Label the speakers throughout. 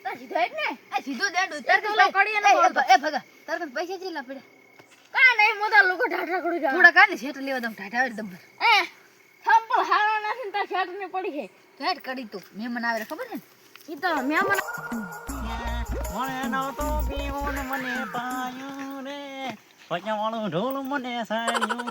Speaker 1: તા સીધો એક ને
Speaker 2: આ સીધો દેડ
Speaker 1: તાર તો કડીએ ને
Speaker 2: એ ભગા તાર કન પૈસા કેટલા પડ્યા
Speaker 1: કા નહીં મોટા લોકો ઢાઢા કડી જા
Speaker 2: થોડા કાને શેઠ લેવા દમ ઢાઢા દબર
Speaker 1: એ સંપલ હારા નથી તાર શેઠ ને પડી છે
Speaker 2: ઢાઢ કડી તો મહેમાન આવે ખબર છે
Speaker 1: ઈ તો મહેમાન
Speaker 3: મને નહોતો પીવો ને મને પાયું રે પૈયા વાળું ઢોલ મને સાયું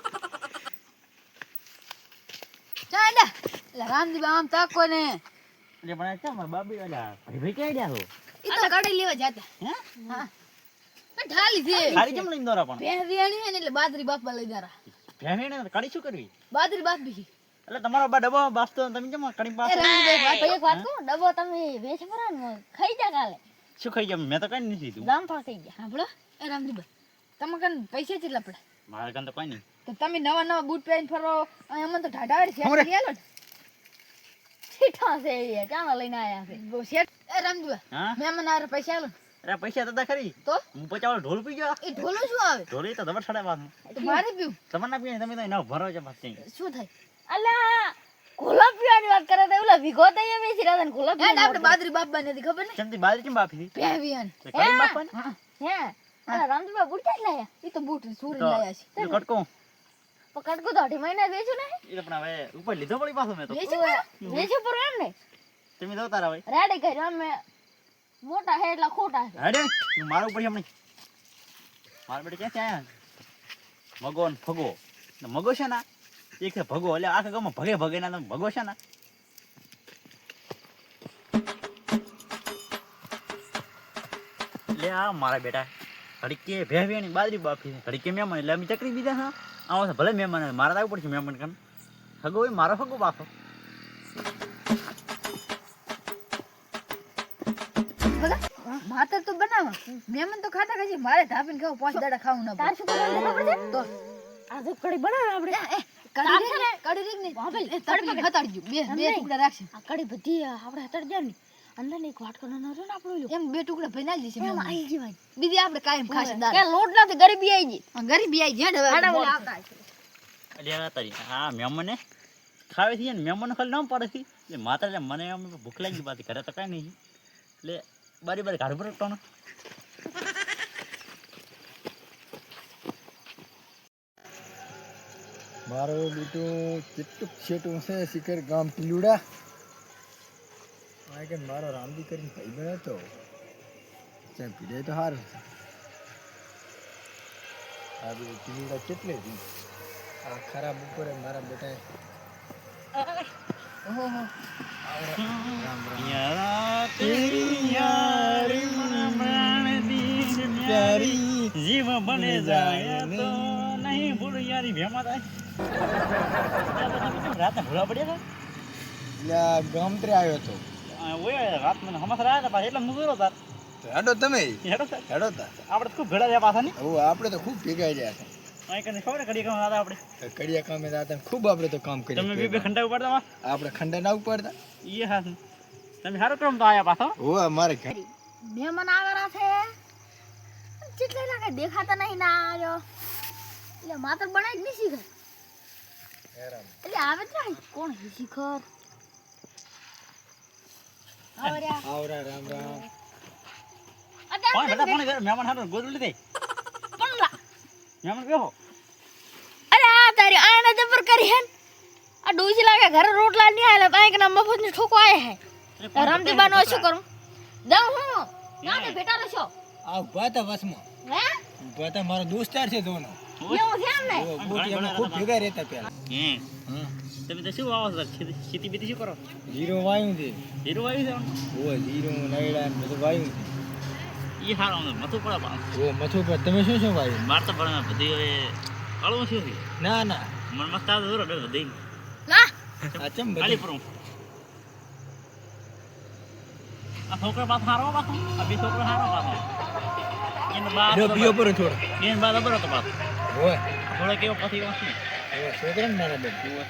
Speaker 2: ચાલ એટલે રામજી આમ તાકો ને
Speaker 3: એટલે પણ કેમ બાબી વાલા ભાઈ કે આઈડિયા હો
Speaker 2: ઈ તો કડી લેવા જાતા
Speaker 3: હે
Speaker 2: હા પણ ઢાલી છે
Speaker 3: ખારી કેમ લઈને દોરા પણ
Speaker 2: પહેરિયાણી હે ને એટલે બાદરી બાપા લઈ જારા
Speaker 3: ભેવીને કડી શું કરવી
Speaker 2: બાદરી બાપી
Speaker 3: એટલે તમારો બા ડબ્બો બાસતો તમે કેમ કડી
Speaker 1: એ
Speaker 3: બાસ
Speaker 1: રામજી એક વાત કહું ડબ્બો તમે વેચ ભરા ને ખાઈ જા કાલે
Speaker 3: શું ખાઈ ગયા મેં તો કઈ નથી દીધું
Speaker 1: જામફળ ખાઈ ગયા
Speaker 2: સાંભળો એ રામજી તમે કન પૈસા કેટલા પડે
Speaker 3: મારે કાન તો કોઈ નહીં
Speaker 2: તો તમે નવા બૂટ પહેરીને ફરો અને અમને તો ઢાઢા વાળી શેઠ લઈ આલો
Speaker 1: ઠીઠા છે એ ચાના લઈને આયા છે
Speaker 2: ને શેઠ એ રામજી
Speaker 3: હા
Speaker 2: મહેમાન આવે પૈસા આલો
Speaker 3: અરે પૈસા તો ખરી
Speaker 2: તો
Speaker 3: હું પૈસા વાળો ઢોલ પી ગયો
Speaker 2: એ ઢોલો શું આવે
Speaker 3: ઢોલ તો દબર છડે વાત
Speaker 2: તો મારે પીવું
Speaker 3: તમારે ના પીએ તમે તો એના ભરો છે પાસ
Speaker 2: શું થાય
Speaker 1: અલા ગોલા પીવાની વાત કરે તો ઓલા વિગો તો એ બેસી રહ્યા ને ગોલા
Speaker 2: હે આપણે બાદરી બાપા નથી ખબર ને
Speaker 3: ચમતી બાજરી કેમ બાફી
Speaker 2: પહેવિયાન
Speaker 3: કડી બાફન
Speaker 2: હા
Speaker 1: હે અલા રામજીબા બુડતા જ લાયા
Speaker 2: એ તો બૂટ સુરી
Speaker 3: તો
Speaker 2: લાયા છે
Speaker 3: એ કટકો
Speaker 1: પકડ કો તો 2.5 મહિના વેચ્યું ને
Speaker 3: એ તો પણ હવે ઉપર લીધો પડી પાછો મેં તો
Speaker 1: વેચ્યું પર એમ ને
Speaker 3: તમે દો તારા ભાઈ
Speaker 1: રેડી કર્યો અમે મોટા હે એટલા ખોટા છે
Speaker 3: હેડે હું મારું ઉપર હમણી માર બેટે ક્યાં આયા મગો ને ફગો ને મગો છે ના એક છે ભગો એટલે આખા ગામમાં ભગે ભગે ના તમે ભગો છે ના લે આ મારા બેટા ઘડીકે ભેવેની બાજરી બાફી ઘડીકે મહેમાન એટલે અમે ચકરી દીધા હા આવો છે ભલે મહેમાન મારા તો આવવું પડશે મહેમાન કન હગો હોય મારો હગો બાફો
Speaker 2: માતર તો બનાવ મહેમાન તો ખાતા ખાશે મારે ધાપીને ખાવ 5 દાડા ખાવું ના
Speaker 1: તાર શું કરવાનું ખબર છે
Speaker 2: તો
Speaker 1: આ તો કડી બનાવે આપણે
Speaker 2: કડી રીક ને એ તડપી હતાડજો બે ટુકડા રાખશે
Speaker 1: આ કડી બધી આપણે હતડ જાય ને અંદર ને એક વાટકો નાનો રહ્યો ને આપણો
Speaker 2: એમ બે ટુકડા ભઈ નાખી દેશે
Speaker 1: એમ આઈ જી ભાઈ
Speaker 2: બીજી આપણે કાયમ ખાશે દાળ
Speaker 1: કે લોટ નથી ગરીબી આઈ ગઈ
Speaker 2: ગરીબી આઈ જ્યાં હવે
Speaker 1: આવતા
Speaker 3: એટલે આ તારી આ મહેમાને ખાવે છે ને મહેમાન ખાલી ન પડે છે એટલે માત્ર એટલે મને આમ ભૂખ લાગી ગઈ પાછી ઘરે તો કાંઈ નહીં એટલે બારી બારી ઘર પર ટોનો
Speaker 4: મારો બેટું કેટલું છેટું છે શિખર ગામ પિલુડા આ કે મારો રામજી કરીને ભાઈ બને તો ચાલ પીડે તો સારું છે આ બધું પિલુડા કેટલે દી આ ખરાબ ઉપર મારા બેટા ઓહો રામ રામ
Speaker 3: યારા તેરી યારી મન દીન પ્યારી જીવ બને જાય તો નહીં ભૂલ યારી ભેમા થાય રાતે ભૂલા પડ્યા
Speaker 4: એટલે આ ગામત્રે આવ્યો તો
Speaker 3: ઓય રાત મને હમસરા આવ્યા પાછા એટલે મુગરો તાર
Speaker 4: તો હેડો તમે
Speaker 3: હેડો સર
Speaker 4: હેડો તા
Speaker 3: આપણે ખૂબ ભેળા થયા પાછા નહીં
Speaker 4: હવે આપણે તો ખૂબ ભેગા રહ્યા છે
Speaker 3: અહીં કને ખબર કડી કામ હતા આપણે
Speaker 4: કડિયા કામે હતા ખૂબ આપણે તો કામ
Speaker 3: તમે બે
Speaker 4: કર્યું
Speaker 3: ખંડા ઉપાડતા
Speaker 4: આપણે ખંડા ના ઉપાડતા
Speaker 3: એ હા તમે સારું ક્રમ તો આયા પાછા
Speaker 4: ઓ અમારે ઘર
Speaker 1: મહેમાન આવેલા છે કેટલા લાગે દેખાતા નહીં ના આવ્યો એટલે માત્ર બનાવી જ નહીં શીખર એટલે આવે જ નહીં કોણ છે શિખર આવર્યા
Speaker 4: આવરા રામ રામ
Speaker 3: કોણ બેટા કોણ મહેમાન હારું ગોદું લીધે મહેમાન બેહો
Speaker 1: અરે આ તારી આને જબર કરી હે આ ડોસી લાગે ઘરે રોટલા નહીં આલે તો કે મફત ની ઠોકો આયા હે રામજીબા નો શું કરું જાઉં હું ના તે બેટા રહેશો
Speaker 4: આ ઉભા તા વસમાં
Speaker 1: હે
Speaker 4: ઉભા તા મારો દોસ્તાર છે દોનો
Speaker 1: એવું છે એમ ને
Speaker 4: ઓ ગોટી અમે ખૂબ ભેગા રહેતા પહેલા
Speaker 3: હમ તમે તો શું વાવો છો ખેતી બીતી શું કરો
Speaker 4: જીરો વાયું છે
Speaker 3: હીરો આવ્યું છે
Speaker 4: ઓ જીરો નૈડા ને બધું વાયું
Speaker 3: એ હારો મથું પડે પણ
Speaker 4: છે ઓ મથું પર તમે શું શું વાયું
Speaker 3: માર તો પણ બધી હવે અળવું શું છે
Speaker 4: ના ના
Speaker 3: મન મસ્ત આવે દૂર બધી
Speaker 1: ના
Speaker 4: આ ચમ
Speaker 3: ખાલી
Speaker 4: બધું
Speaker 3: પરું આ છોકરા પાછો હારો પાછો આ બે છોકરા હારો પાછો એને બાદ
Speaker 4: બીજો પર થોડો
Speaker 3: એને બાદ બરો તો પાછો
Speaker 4: ઓય
Speaker 3: થોડો કેવો પછી વાંચી
Speaker 4: ઓ છોકરા ને નાના બેન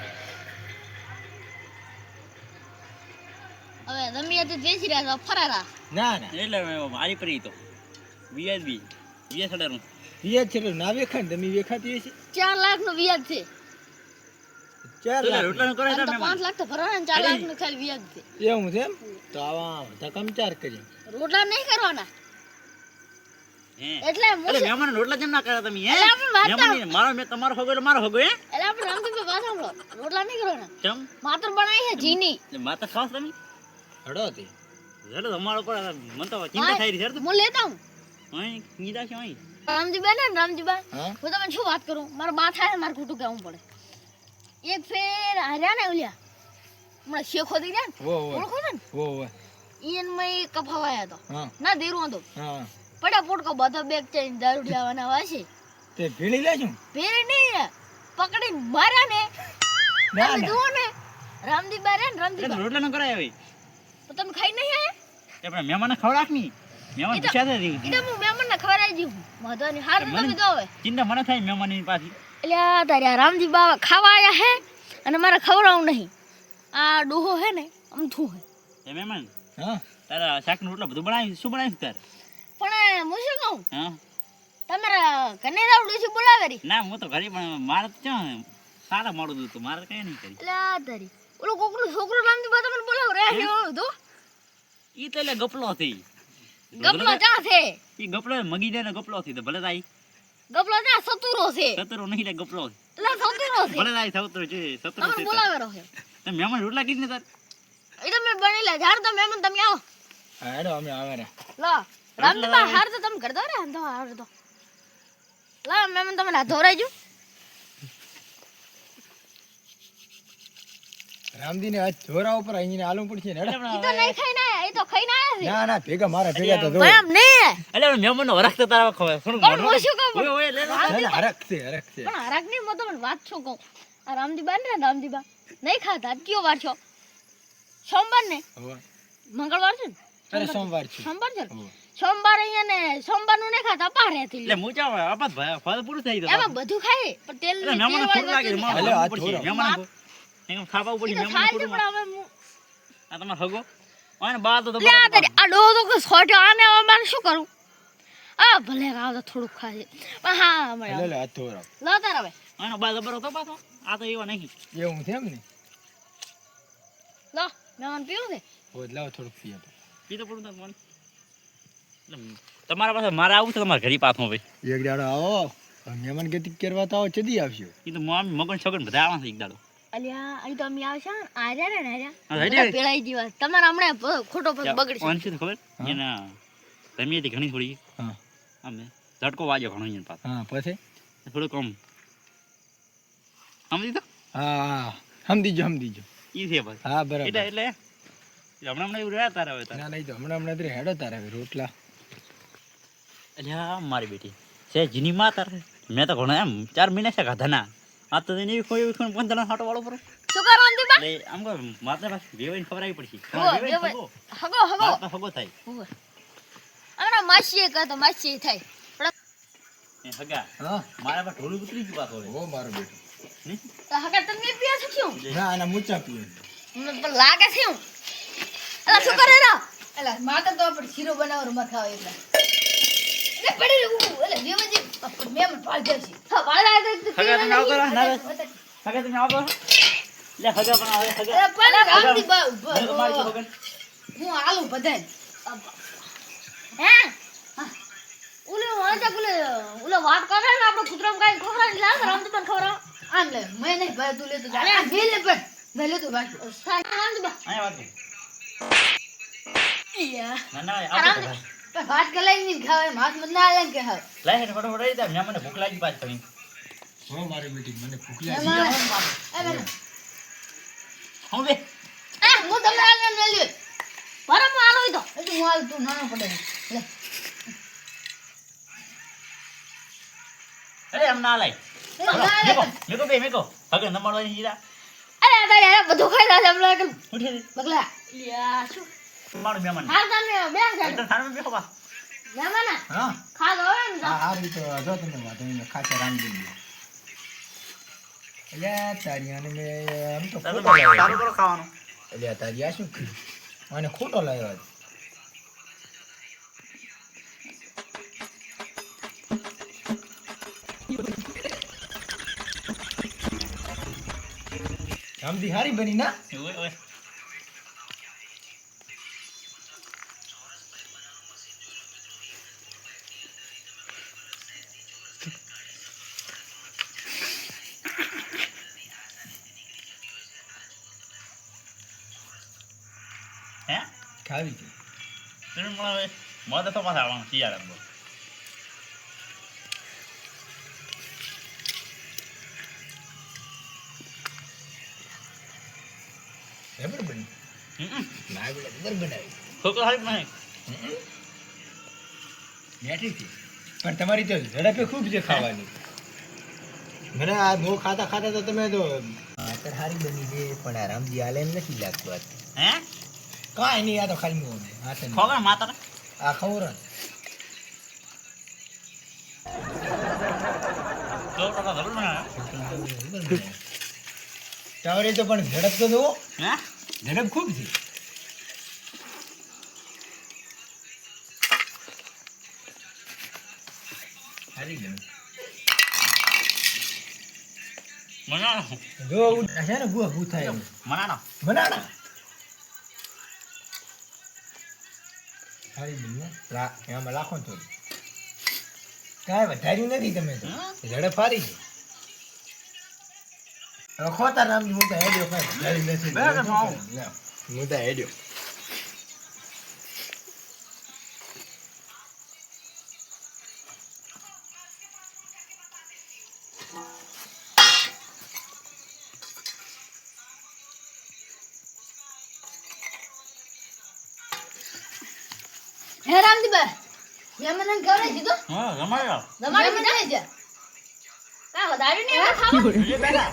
Speaker 1: હવે રમિયા તો બેસી રહ્યા છો ફરારા
Speaker 4: ના ના
Speaker 3: એટલે મારી પરી તો વીએસબી વીએસ અડારું
Speaker 4: વિયાદ છે ના વેખાણ તમે વેખાતી હશે
Speaker 1: 4 લાખ નું વ્યાજ છે
Speaker 4: 4
Speaker 3: તું લે
Speaker 4: લાખ
Speaker 3: રોટલાનું કરે
Speaker 1: આમ
Speaker 3: તાર
Speaker 1: તો 5
Speaker 3: મહેમાન
Speaker 1: લાખ તો ભરવાના ને 4 લાખનું ખાલી વ્યાજ છે.
Speaker 4: એવું છે એમ તો આવા ધકમ 4 કરી
Speaker 1: રોટલા નહીં કરવાના
Speaker 3: હે
Speaker 1: એટલે હું
Speaker 3: અરે મહેમાન રોટલા કેમ ના કરે તમે હે
Speaker 1: એટલે આપણે વાત
Speaker 3: મહેમાન નહીં, મારો મેં તમારો હગો એટલે મારો હગો હે
Speaker 1: એટલે આપણે રામજીભાઈ વાત સાંભળો રોટલા નહીં કરવાના
Speaker 3: ચમ
Speaker 1: માત્ર બનાવી છે જીની
Speaker 3: એટલે માતા ખાસ તમે
Speaker 4: હડો હતી
Speaker 3: જડો તમારો પર મન તો ચિંતા થઈ રહી છે
Speaker 1: હું લેતા હું
Speaker 3: અહીં કીધા છે અહીં
Speaker 1: રામજીભાઈ ને રામજીભાઈ
Speaker 4: હા
Speaker 1: હું તમને શું વાત કરું મારા બા થાય ને મારે ખોટું કહેવું પડે એક ફેર હાર્યા ને ઓલ્યા હમણાં શેખો થઈ ગયા
Speaker 4: વો
Speaker 1: ને
Speaker 4: વો
Speaker 1: ઓળખો છો ને
Speaker 4: વો વો
Speaker 1: ઈયન માં કફાવાયા હતો
Speaker 4: હા
Speaker 1: ના દેરું હતો
Speaker 4: હા
Speaker 1: પડ્યા પોટકો બધો બેગ ચઈને દારૂ લેવાના વાસે
Speaker 4: તે ભીડી લેશું
Speaker 1: ફેર નહીં પકડીને માર્યા ને
Speaker 4: ના
Speaker 1: તમે
Speaker 4: ના
Speaker 1: જુઓ ને રામજીભાઈ રે ને
Speaker 3: એટલે
Speaker 1: રામજીભાઈ
Speaker 3: રોટલા ન કરાય હવે
Speaker 1: તો તમે ખાઈ નહીં આયા
Speaker 3: એ પણ મહેમાનને ખવડાવ ની મહેમાન પૂછ્યા છે
Speaker 1: એટલે હું મહેમાનને ખવડાવી દઉં વાંધો નહીં હાર તો તમે જો હવે
Speaker 3: ચિંતા મને થાય મહેમાનની પાછી
Speaker 1: એટલે આ તારે આ રામજી બાવા ખાવા આયા હે અને મારે ખવડાવવું નહીં આ ડોહો હે ને અમથું હે
Speaker 3: એ મહેમાન
Speaker 4: હા
Speaker 3: તારા શાકનું રોટલા બધું બનાવી શું બનાવ્યું તારે
Speaker 1: પણ હું શું કહું
Speaker 3: હા
Speaker 1: તમારા કનેરા ડોસી બોલાવે રી
Speaker 3: ના હું તો ઘરે પણ મારે તો ક્યાં સારા મોડું હતું મારે કઈ નહીં કરી
Speaker 1: એટલે આ તારી ઓલો કોકનું છોકરો રામજી બા તમને બોલાવ રે તો
Speaker 3: ઈ તો એટલે ગપલો હતી
Speaker 1: ગપલો ચા છે
Speaker 3: ઈ ગપલો મગી દે ને ગપલો હતી તો ભલે તાઈ
Speaker 1: ગપલો ચા સતુરો છે
Speaker 3: સતરો નહીં લે ગપલો
Speaker 1: એટલે સતુરો છે
Speaker 3: ભલે તાઈ સતરો છે સતરો
Speaker 1: તમને
Speaker 3: છે
Speaker 1: બોલાવે રહો
Speaker 3: તમે મહેમાન રોટલા કીધી ને તાર
Speaker 1: એ તમે બની લે જાર તો મહેમાન તમે આવો
Speaker 4: હેડો અમે આવે રે
Speaker 1: લો રામજી બા હાર તો તમે કરતા રે તો હાર તો લા મહેમાન તમે ના ધોરાઈજો
Speaker 4: રામદી ને આજ જોરા ઉપર અહીં આલુ પડશે ને હેડો
Speaker 1: ઈ તો નહીં ખાઈને આયા એ તો ખાઈને આયા છે
Speaker 4: ના ના ભેગા મારા ભેગા તો
Speaker 1: પણ એમ નહીં
Speaker 3: એટલે મહેમાન નો વરખ તો તારા ખવાય થોડું
Speaker 1: પણ હું શું કહું
Speaker 3: ઓય ઓય લે લે
Speaker 4: હરક છે હરક છે
Speaker 1: પણ હરાક નહીં હું તમને વાત શું કહું આ રામજીબા ને રામજીબા નહીં ખાતા આજ કયો વાર છો સોમવાર ને
Speaker 4: હોવે
Speaker 1: મંગળવાર છે ને
Speaker 4: અરે સોમવાર છે
Speaker 1: સોમવાર છે ને
Speaker 4: હોવે.
Speaker 1: સોમવાર અહીંયા ને સોમવાર નું નહીં ખાતા પારેથી
Speaker 3: એટલે હું ચાવ આપાત ભાઈ ફળ પૂરું થઈ ગયું
Speaker 1: એમાં બધું ખાય પણ તેલ
Speaker 3: એટલે મહેમાન થોડું લાગે છે
Speaker 4: ભલે આ
Speaker 3: પડશે
Speaker 4: થોડું.
Speaker 3: મહેમાન એમ ખાવા ઉપર મહેમાન થોડું
Speaker 1: પણ હવે હું
Speaker 3: આ તમાર હગો અને બા તો
Speaker 1: લે આ તારી આ ડોહો તો કે સોટો આને હવે મારે શું કરું આ ભલે આવ તો થોડુંક ખાય પણ હા
Speaker 4: લે
Speaker 1: મળે
Speaker 4: લે હાથ ધોરા
Speaker 1: લો તાર હવે
Speaker 3: આનો બા જબરો તો પાછો આ તો એવો નહીં
Speaker 4: એવું છે એમ ને
Speaker 1: લો મહેમાન પીવું છે
Speaker 4: હોત લાવ થોડુંક પીએ તો
Speaker 3: પી તો પડું તાર મન એટલે તમારા પાસે મારે આવું છે તમારા ઘરે પાછો ભાઈ
Speaker 4: એક દાડો આવો મહેમાન ગતિ કરવા તો આવો ચડી આવશે
Speaker 3: એ તો મમ્મી મગન છગન બધા આવવા છે એક દાડો
Speaker 1: અલ્યા અહીં તો અમે આવશે ને આર્યા ને
Speaker 3: હા,
Speaker 1: આર્યા
Speaker 3: રેડી.
Speaker 1: પેળાઈ જીવા તમારે હમણાં ખોટો બગડશે
Speaker 3: ઓન છે તો ખબર
Speaker 4: હા.
Speaker 3: એના રમી હતી ઘણી થોડી
Speaker 4: હા
Speaker 3: અમે ઝટકો વાગ્યો ઘણો એને પાછો
Speaker 4: હા પછી
Speaker 3: થોડું કમ સમજી તો
Speaker 4: હા હા સમજીજો
Speaker 3: ઈ છે બસ
Speaker 4: હા
Speaker 3: એટલે
Speaker 4: બરાબર
Speaker 3: એટલે હમણાં એવું રહ્યા તારા હવે તારા
Speaker 4: ના નહીં તો હમણાં તો હેડો તારે હવે રોટલા
Speaker 3: અલ્યા મારી બેટી છે જીની માં તારે મેં તો ઘણો એમ 4 મહિના છે ખાધા ના આ તો એને કોઈ 15 હાટો વાળો પર
Speaker 1: શું કરો અંતિબા
Speaker 3: એટલે આમ કહો માતા પાસે વેવાઈને ખબર આવી પડશે
Speaker 1: હગો, વેવાઈ. હગો હગો
Speaker 3: માતા હગો થાય
Speaker 1: હોવે. હમણાં માસીએ કહે તો માસી થાય
Speaker 3: એ હગા
Speaker 4: હા
Speaker 3: મારા પાસે ઢોલું ઉતરી ગયું પાછો હવે
Speaker 4: ઓ મારો બેટો
Speaker 3: નહીં?
Speaker 1: તો હગા તમે પીયા છો શું
Speaker 4: ના આના મૂચા પીએ
Speaker 1: મને પણ લાગે છે હું અલા શું કરે રા
Speaker 2: એલા માતા તો આપણે શીરો બનાવવાનો મથા એટલે
Speaker 1: એટલે પડી રહ્યું
Speaker 2: એટલે વેવજી મેમન પાળ જશે
Speaker 1: હા વાળા તો
Speaker 3: હગા તમે આવતો રહો ના હગા તમે આવતો રહો. લે હગા પણ આવે હગા
Speaker 2: અરે પણ રામજી બા ઉભો
Speaker 3: મેં તો મારી હગા
Speaker 2: હું આલુ બધાય
Speaker 1: હે ઓલે વાંચા ઓલે વાત કરે ને આપણે કૂતરામ કાઈ ખવરાવી લાગ રામજી પણ ખવરાવ
Speaker 2: આમ લે મેં નહીં ભાઈ તું લેતો જા આ લે પણ મેં લેતો બાકી
Speaker 1: રામજી બા
Speaker 3: અહીંયા વાત કર.
Speaker 1: યા
Speaker 3: ના ના આવતો રહો.
Speaker 2: પણ ભાત કલાઈ નહીં ખાવે માસ મત ના આલે કે હા
Speaker 3: લાય હેઠ ફટાફટ આવી જા મને ભૂખ લાગી પાછી ફરી
Speaker 4: હો મારી બેટી મને ભૂખ
Speaker 2: એમાં
Speaker 3: હું બે
Speaker 2: હું તમને આલે ને લ્યો
Speaker 1: બરાબર આલો ઈ તો
Speaker 2: એટલે હું આલ તું નાનો પડે લે
Speaker 3: અરે એમ ના લાય મેકો હગા નમાડવાની હીરા
Speaker 1: અરે તારે આ બધું ખાઈ રહ્યા છે હમણાં કે
Speaker 3: ઉઠી રે
Speaker 1: બગલા યા શું
Speaker 3: મારું મહેમાન
Speaker 1: હાલ તમે બે છે
Speaker 3: એટલે થાળમાં બેસો બા
Speaker 1: મહેમાન
Speaker 4: હા
Speaker 1: ખા દો ને
Speaker 4: હા હારી તો જો તમે વાત અહીં ખાચા રામજી એટલે તારી આને મેં આમ તો ખોટો લાવ્યો
Speaker 3: તારું કરો ખાવાનું
Speaker 4: એટલે તારી આ શું કર્યું અને ખોટો લાવ્યો આજ. રામજી હારી બની ના
Speaker 3: ઓય ઓય હે
Speaker 4: ખાવી છે
Speaker 3: તમે મને મદદ તો પાછા આવવાનું શિયાળામાં
Speaker 4: બરાબર બની ના બરાબર બનાવી
Speaker 3: છોકરો હારી નહીં
Speaker 4: બેઠી હતી પણ તમારી તો ઝડપે ખૂબ છે ખાવાની મને આ બહુ ખાતા ખાતા તો તમે તો અત્યારે હારી બની છે પણ આ રામજી હાલે એમ નથી લાગતું આ
Speaker 3: હે
Speaker 4: કાંઈ નહીં આ તો ખાલી મોં હાથે નહીં.
Speaker 3: ખોગા માતા
Speaker 4: આ ખવરા
Speaker 3: છોકરો તો જરૂર ના
Speaker 4: ટાવરે તો પણ ઝડપ તો જુઓ
Speaker 3: હે
Speaker 4: ઝડપ ખૂબ છે હારી ગયું
Speaker 3: મનાનો
Speaker 4: જો છે ને બુઆ ભૂ થાય એમ.
Speaker 3: મનાનો
Speaker 4: બનાના હારી બની ને એમાં લાખો તો કાંઈ વધાર્યું નથી તમે તો ઝડપ હારી છે હવે ખોતા રામજી હું તો હેડ્યો કાંઈ વધાર્યું નથી
Speaker 3: બરાબર, આવું.
Speaker 4: ના, હું તો હેડ્યો
Speaker 2: હે રામજીભાઈ મેં મને ખવડાવી દીધું
Speaker 3: હા રમાયો
Speaker 1: તમારે
Speaker 2: મેં મને છે
Speaker 1: કા વધાર્યું ને એમાં ખાવા
Speaker 3: એ બેટા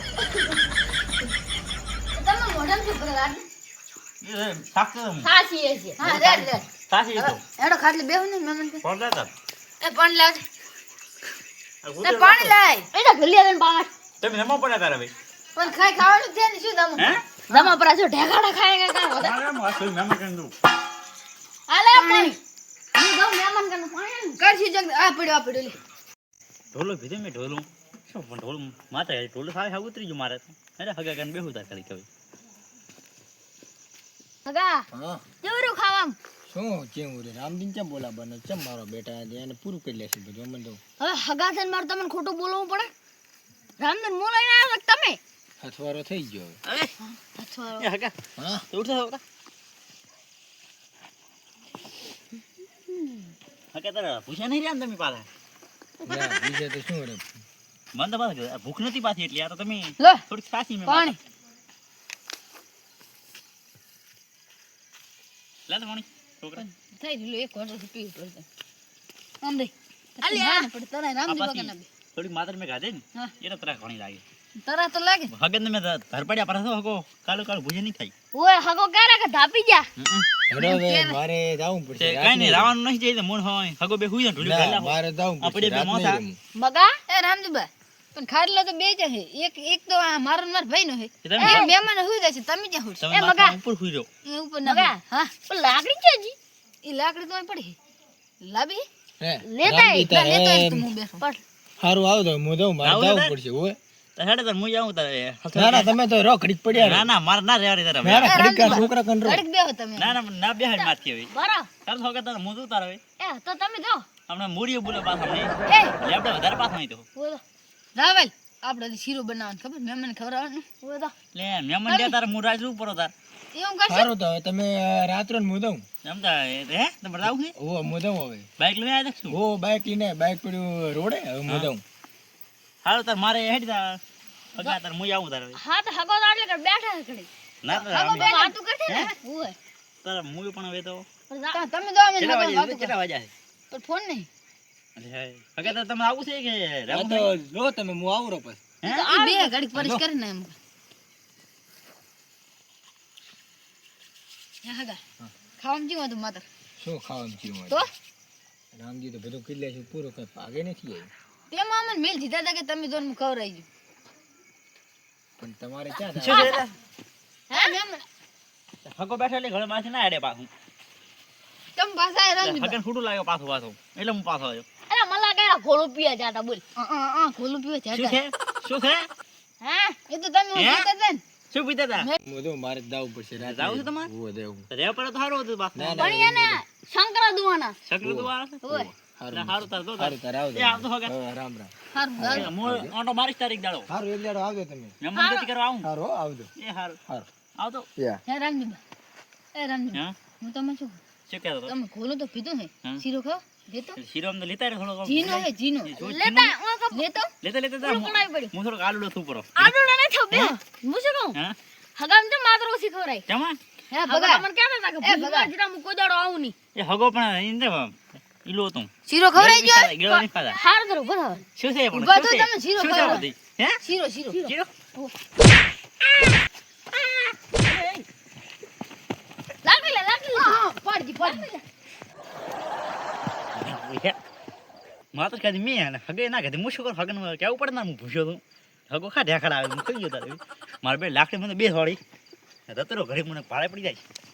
Speaker 2: તમે મોઢામાં શું કરે રાત
Speaker 3: એ સાક્ષ
Speaker 1: સાચી છે
Speaker 2: હા રેડ રેડ
Speaker 3: સાચી તો
Speaker 2: એડો ખાટલે બેહું ને મેં મને
Speaker 3: કોણ લેતા
Speaker 2: એ પાણી લાવ
Speaker 3: આ
Speaker 2: એ પાણી લાય
Speaker 1: એ તો ભૂલી આવે પાવા
Speaker 3: તમે નમો પડ્યા તારા ભાઈ
Speaker 2: પણ ખાવાનું છે ને શું દમ
Speaker 3: હે
Speaker 1: દમા પર જો ઢેકાડા ખાય કા વધારે
Speaker 3: મારા માં કોઈ મહેમાન કરી દઉં
Speaker 1: આલે પાણી હું દઉં મહેમાન કને પાણી
Speaker 2: કરશી જગ આ પડ્યો લે
Speaker 3: ઢોલો ભીધે મેં ઢોલું શું પણ ઢોલું માતા ઢોલું સાવ ઉતરી ગયું મારે અરે હગા કરીને બેહું તા કરી કવી
Speaker 1: હગા
Speaker 4: હા
Speaker 1: કેવરું ખાવામ
Speaker 4: શું કેવું રે રામદીન કેમ બોલા બને ચમ મારો બેટા એને પૂરું કરી લેશે બધું અમને તો
Speaker 1: હવે હગા થઈને મારે તમને ખોટું બોલવું પડે રામદન મો લઈને આવ્યો છો તમે
Speaker 4: હથવારો થઈ ગયો
Speaker 3: અરે
Speaker 1: અથવા
Speaker 3: એ હગા
Speaker 4: હા
Speaker 3: તો ઉઠો હગા હગા તારા પૂછ્યા નહીં રહ્યા ને તમે પાછા
Speaker 4: ના બીજે તો શું રે
Speaker 3: મને તો પાછા ભૂખ નથી પાછી એટલી આ તો તમે
Speaker 2: લો
Speaker 3: થોડીક સાચી મેં
Speaker 2: પાણી
Speaker 3: લે તો પાણી છોકરા
Speaker 2: થઈ ગયું એક વાટો પીવું પડશે આમ દે
Speaker 1: અલ્યા.
Speaker 2: પડે તને રામજી
Speaker 3: પાછી
Speaker 2: બગન
Speaker 3: થોડીક માત્ર મેં ખાધે ને
Speaker 2: હા.
Speaker 3: એને તરા ઘણી લાગે
Speaker 2: તરા તો લાગે
Speaker 3: હગન મેં ધરપડ્યા પર હતો હગો કાળું કાળું ભૂજે નહીં થાય
Speaker 1: ઓય હગો ક્યારે કે ધાપી જા
Speaker 4: હેડો હવે મારે જાવું પડશે
Speaker 3: તે કઈ નહીં રાવાનું નહીં જાય મૂળ હોય હગો બે હુઈ જાય ઢોલી
Speaker 4: ના,
Speaker 3: પહેલા
Speaker 4: મારે જાવું
Speaker 3: આપણે
Speaker 4: પડશે
Speaker 3: બે
Speaker 4: રાત
Speaker 3: મોથા.
Speaker 4: નહીં રમવું.
Speaker 1: મગા
Speaker 2: એ રામજીભાઈ પણ ખાટલો તો બે જ છે એક તો આ મારો ને મારો ભાઈ નો છે
Speaker 3: એ તમે
Speaker 2: એ મહેમાન હુઈ જાય છે તમે જ્યાં હુઈ
Speaker 3: તમે
Speaker 1: એ
Speaker 3: માથા
Speaker 1: મગા.
Speaker 3: ઉપર હુઈ રહ્યો
Speaker 2: એ ઉપર ના
Speaker 1: મગા.
Speaker 2: હા
Speaker 1: પણ લાકડી છે જી
Speaker 2: એ લાકડી તો અહીં પડી લાવી
Speaker 4: હે,
Speaker 1: લેતા
Speaker 4: રામજી
Speaker 2: ના લેતો
Speaker 4: તારે
Speaker 2: તો હું બેઠો
Speaker 1: પણ
Speaker 4: હારું આવો તો હું જાઉં મારે
Speaker 3: આવું
Speaker 4: જાવું
Speaker 3: તારે?
Speaker 4: પડશે હોય
Speaker 3: તો હેડે તાર મુઈ આવું તારે
Speaker 4: ના ના તમે તો રો ઘડીક પડ્યા રહો.
Speaker 3: ના ના મારે ના રહેવા દે તારે
Speaker 4: ના
Speaker 3: હવે.
Speaker 4: ના ઘડીક આ છોકરા કન રહો.
Speaker 2: ઘડીક બેહો તમે
Speaker 3: ના ના ના બેહાડ માથથી હવે
Speaker 1: બરો
Speaker 3: તાર તો હગા તારે મું તું તારે હવે
Speaker 1: એ તો તમે જાઓ
Speaker 3: હમણાં મૂડીએ બોલે પાછા નહીં
Speaker 2: એ
Speaker 3: લેપડે વધારે પાછા નહીં તો
Speaker 1: બોલો
Speaker 2: રાવલ આપણે હજી શીરો બનાવવાનું ખબર મહેમાન ખવડાવવાનું
Speaker 1: બોલો
Speaker 3: લે મહેમાન લે તારે હું રાજ રૂપ પડો તાર
Speaker 2: એવું કરશે
Speaker 4: સારું તો હવે તમે રાત્રે હું જાઉં
Speaker 3: એમ તા હે તમારે આવું છે
Speaker 4: ઓ હું જાઉં હવે
Speaker 3: બાઈક લઈને આવ્યા છું
Speaker 4: ઓ બાઈક લઈને બાઈક પડ્યું રોડે હવે હું જાઉં
Speaker 3: હાલો તાર મારે હેડ તાર હગા તાર મુઈ આવું તારે હવે
Speaker 1: હા તો હગો તો આટલે કર બેઠા છે ઘડી
Speaker 3: ના તાર
Speaker 1: હગો
Speaker 3: અમે-
Speaker 1: બે વાતું કરશે ને ઓય
Speaker 3: તાર મુઈ પણ હવે તો
Speaker 1: પણ જા-
Speaker 2: તમે દો અમે
Speaker 3: કેટલા વાગે
Speaker 2: વાતું
Speaker 3: કેટલા વાગ્યા છે
Speaker 2: પણ ફોન નહીં
Speaker 3: અરે હગા તાર તમે આવું છે કે
Speaker 4: હા
Speaker 3: રહેવું
Speaker 4: તો
Speaker 3: છે?
Speaker 4: લો તમે હું આવું રહો પછી
Speaker 3: હે
Speaker 2: ઈ બે ઘડીક પરિશ કરીને એમ હે હગા ખાવાનું જીવો તો માત્ર
Speaker 4: શું ખાવાનું થયું હોય?
Speaker 2: તો
Speaker 4: રામજી તો બધું કરી લે છે પૂરો કઈ ભાગે નથી આવી
Speaker 2: તેમાં અમને મેલ દીધા હતા કે તમે દોન હું ખવડાવી દઉં
Speaker 4: પણ તમારે ક્યાં
Speaker 3: શું
Speaker 4: થાય?
Speaker 3: છે
Speaker 2: હે મહેમાન
Speaker 3: હગો બેઠો એટલે ઘરે માથે ના હેડે પાછું
Speaker 2: તમે પાછા આયા રામજી
Speaker 3: હગન ખોટું લાગ્યો પાછો પાછો એટલે હું પાછો આવ્યો
Speaker 1: અરે મલા કયા ઘોડો પીયા જાતા બોલ
Speaker 2: ખોલું પીવે છે
Speaker 3: શું છે શું છે
Speaker 1: હા
Speaker 2: એ તો તમે
Speaker 3: હે?
Speaker 2: કહેતા હતા ને
Speaker 3: શું પીતા હતા
Speaker 4: બધું મારે દાવ પડશે રાતે.
Speaker 3: જાવું છે તમારે?
Speaker 4: હોવે, દેવું.
Speaker 3: તો રહેવા પડે તો સારું હતું બાપ
Speaker 4: ના,
Speaker 1: પણ એને શંકરા દુવાના
Speaker 3: સકરું તો વાળા છે
Speaker 1: ઓય
Speaker 3: એટલે સારું તાર તો
Speaker 4: સારું તારે આવજો.
Speaker 3: એ આવતો હગા.
Speaker 4: હા, રામ રામ.
Speaker 1: હારું
Speaker 3: હું ઓટો મારીશ તારીખ દાડો
Speaker 4: સારું એક દાડો આવજો તમે.
Speaker 3: મહેમાન ગતિ કરવા આવું
Speaker 4: સારું હો, આવજો.
Speaker 3: એ સારું
Speaker 4: સારું.
Speaker 3: આવતો
Speaker 4: યા.
Speaker 2: હે રામજી એ રામજી
Speaker 3: હા
Speaker 2: હું તમે શું
Speaker 3: શું કહેતો હતો
Speaker 2: તમે ખોલો તો પીધું હે
Speaker 3: હા.
Speaker 2: શીરો ખાઓ લેતો
Speaker 3: શીરો અમને લેતા રહે થોડો
Speaker 2: જીનો હે જીનો
Speaker 1: લેતા હું કહું
Speaker 2: લેતો
Speaker 3: લેતા લેતા જા.
Speaker 1: કણાઈ પડી
Speaker 3: હું થોડોક આલુડો થૂ પડો
Speaker 1: આડું ને થો બે હું શું કહું
Speaker 3: હા
Speaker 1: હગામ તો માત્ર ઓછી ખવરાય
Speaker 3: કેમાં
Speaker 2: હે
Speaker 1: ભગા
Speaker 2: ભગા
Speaker 1: મને કહેતા હતા કે ભૂલમાં જીરા હું કોઈ દાડો આવું નહીં
Speaker 3: એ હગો પણ ઇન્દ્ર ઈલો તું
Speaker 2: શીરો ખવરાઈ ગયો
Speaker 3: ગેળો નહીં ખાતા
Speaker 1: હાર કરો બરાબર
Speaker 3: શું છે એ પણ
Speaker 2: ઊભા
Speaker 3: શું
Speaker 2: થો
Speaker 3: છે?
Speaker 2: તમે શીરો
Speaker 3: શું છે
Speaker 2: ખાવા.
Speaker 3: બધી? હે
Speaker 2: શીરો શીરો
Speaker 3: શીરો
Speaker 1: લાગી લે
Speaker 2: પાડજી પાડજી
Speaker 3: માત્ર કદી મેં હગે ના કદી હું શું કરું હગન કેવું પડે ના હું ભૂસ્યો તું હગો ખા ઢેખડા આવે હું થઈ ગયો તારે મારે બે લાકડી મને બે વાળી રતરો ઘરે મને ભાડે પડી જાય